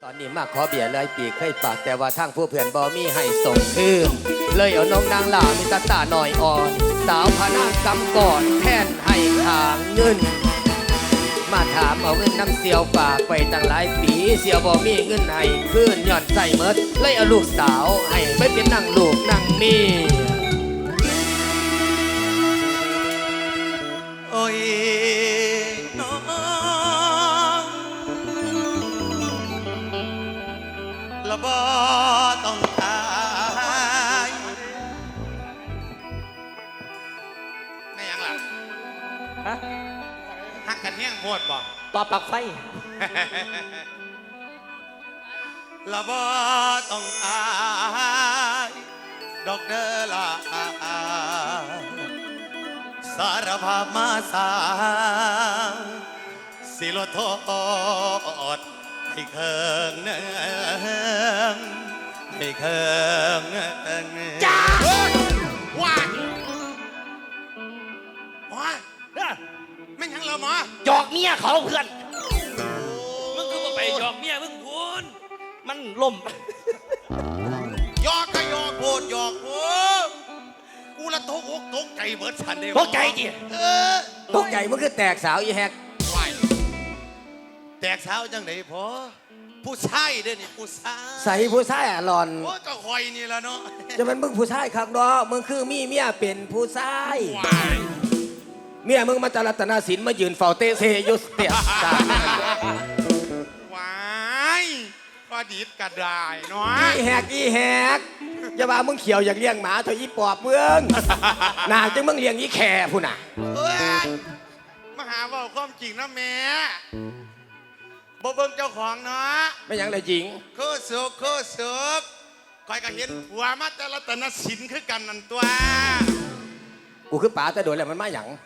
ตอนนี้มาขอเบียร์เลยปีเคยปากแต่ว่าทางผู้เพื่อนบ่มีให้ส่งคืนเลยเอาน้องนางลามีตาหน่อยอ่อนสาวพนางกำก่อนแทนให้ขางเงินมาถามเอาเงินน้ำเสียวฝากไปตั้งหลายปีเสียวบ่มีเงินให้คืนย้อนใส่เมิดเลยเอาลูกสาวให้ไปเป็นนางลูกนางเมียโอ้ยน้องละบ่ต้องตายไม่ยังล่ะฮะหักกันเฮี้ยงโหดบ่ต่อปลักไฟละบ่ต้องอายดอกเด้อละสารภาพมาสาสิลดโทษให้เคิงเนืองให้เคิงจ้าว้าหมอไม่ยังเราหมอหยอกเมียเขาเพื่อนมึงก็มาไปหยอกเมียมึงพูนมันล่มหยอกก็หยอกโพดหยอกโพดกูละตกอกตกใจเบิดฉันเดียวตกใจดิตกใจมันคือแตกสาวอีแฮกแตกสาวจังไหนพอผู้ชายเด้อนี่ผู้ชายใส่ผู้ชายอ่ะหลอนโอ้ก็คอยนี่ละเนาะจะเป็นมึงผู้ชายครับเนาะมึงคือมีเมียเป็นผู้ชายเมียมึงมาจารัตนาศิลป์มายืนเฝ้าเตเซยุสเตียตวายพอดีดกระดายเนาะอีแฮกอย่าว่ามึงเขียวอยากเลี้ยงหมาเถอะอีปอบเมืองน่าจังมึงเลี้ยงอีแค่ผู้น่ะมาหาว่าความจริงนะแม่บ่เบิ่งเจ้าของเนาะไม่ยังเลยจริงโคสุกคอยก็เห็นผัวมาแต่ละตนศิลป์คือกันนั่นตัวกูคือป๋าแต่โดนแล้วมันมาหยัง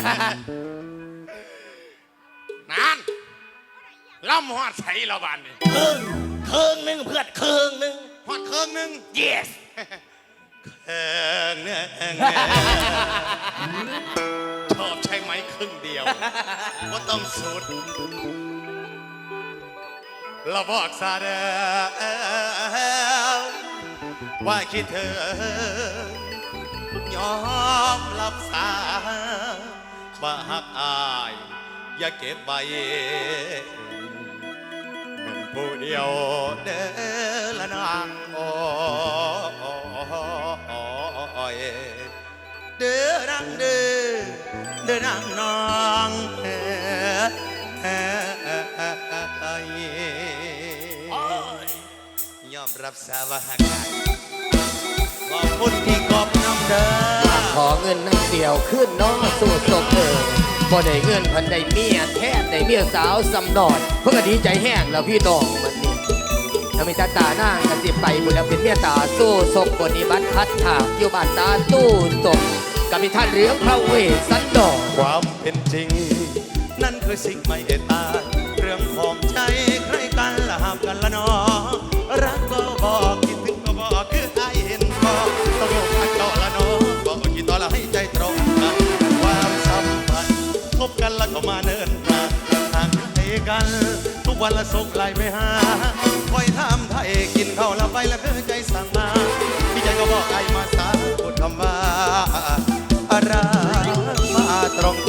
นั่นล่ำหอดใส่เราบ้านนี่เคิงนึงเพื่อนเคิงนึงหอดเคิงนึง yes เคิงนึงชอบใช่ไหมครึ่งเดียวว่าต้องสุดเราบอกซะเด้อว่าคิดเธอยอมรับสาบ่หักอายอย่าเก็บไว้เป็นผู้เดียวเด้อละนางโอ้ยเด้อนางเด้อนางน้องยอมรับสาว่าหักอายขอบคุณที่กอบน้ำเด้อขอเงินน้ำเสียวขึ้นน้องสู่ศพพอได้เงินพันได้เมียแท้ได้เมียสาวสำนอนเพื่อดีใจแห้งแล้วพี่น้องมันนี่ถ้ามีตาหน้ากันสิไปบุญแล้วเป็นเมียตาสู้ศพปฏิบัติพัดถากอยู่บ้านตาตู้ศพกับมีท่านเรืองพระเวสสันดรความเป็นจริงนั่นคือสิ่งไม่ตายเรื่องของใจใครกันละห้ามกันละน้องรักก็บอกคิดถึงก็บอกคือไอเห็นพอต้องลงมาต่อละน้องบอกกี่ต่อละให้ใจตรงกันความสัมพันธ์พบกันแล้วก็มาเนิ่นนานห่างให้กันทุกวันละส่งไลน์ไปหาคอยทำไทยกินข้าวละไปละคือใจสั่งมาพี่ใจก็บอกไอมาสาพูดคำว่าอะไรมาตรง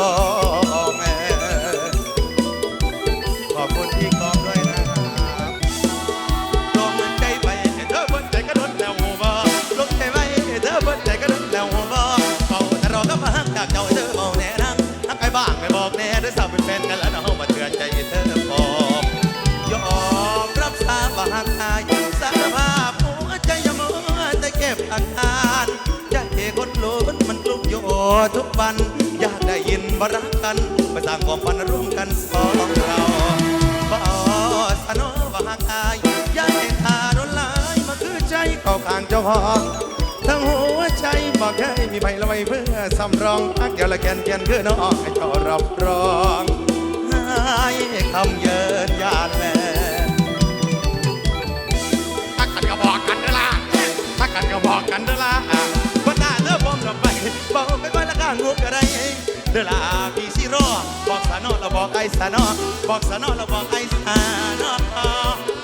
ขอบคุณที่กอบด้วยนะครับลงใจไปเธอเบิ้ลใจก็โดนแล้วหัวบ่ลงใจไปเธอเบิ้ลใจก็โดนแล้วหัวบ่เฝ้าแต่รอก็มาหักจากเจ้าเธอเมาแน่นังหักไอ้บ้างไม่บอกแน่ด้วยสาวเป็นแฟนกันแล้วน้องมาเตือนใจเธอบอกยอมรับสาบหักอายสารภาพหัวใจยมัวแต่เก็บอาการใจคนโลมันกลุ้มอยู่ทุกวันอยากได้ยินบ่รักกันมาสร้างความฝันร่วมกันสองเราบ่สนอบ่หักอายอยากให้ขาโดนลายมาคือใจเข้าข้างเจ้าของทั้งหัวใจบอกให้มีใบละไว้เพื่อสำรองฮักเดียวละแกนคือน้องให้เจ้ารับรองให้คำเยินยานแลถ้ากันก็บอกกันเด้อล่ะถ้ากันก็บอกกันเด้อล่ะบ่ได้เด้อผมรับไปบอกไปก่อนละกันงูก็ได้เด้อล่ะพี่สิรอบอกสานอแล้วบอกไอ้สานอบอกสานอแล้วบอกไอ้สานอ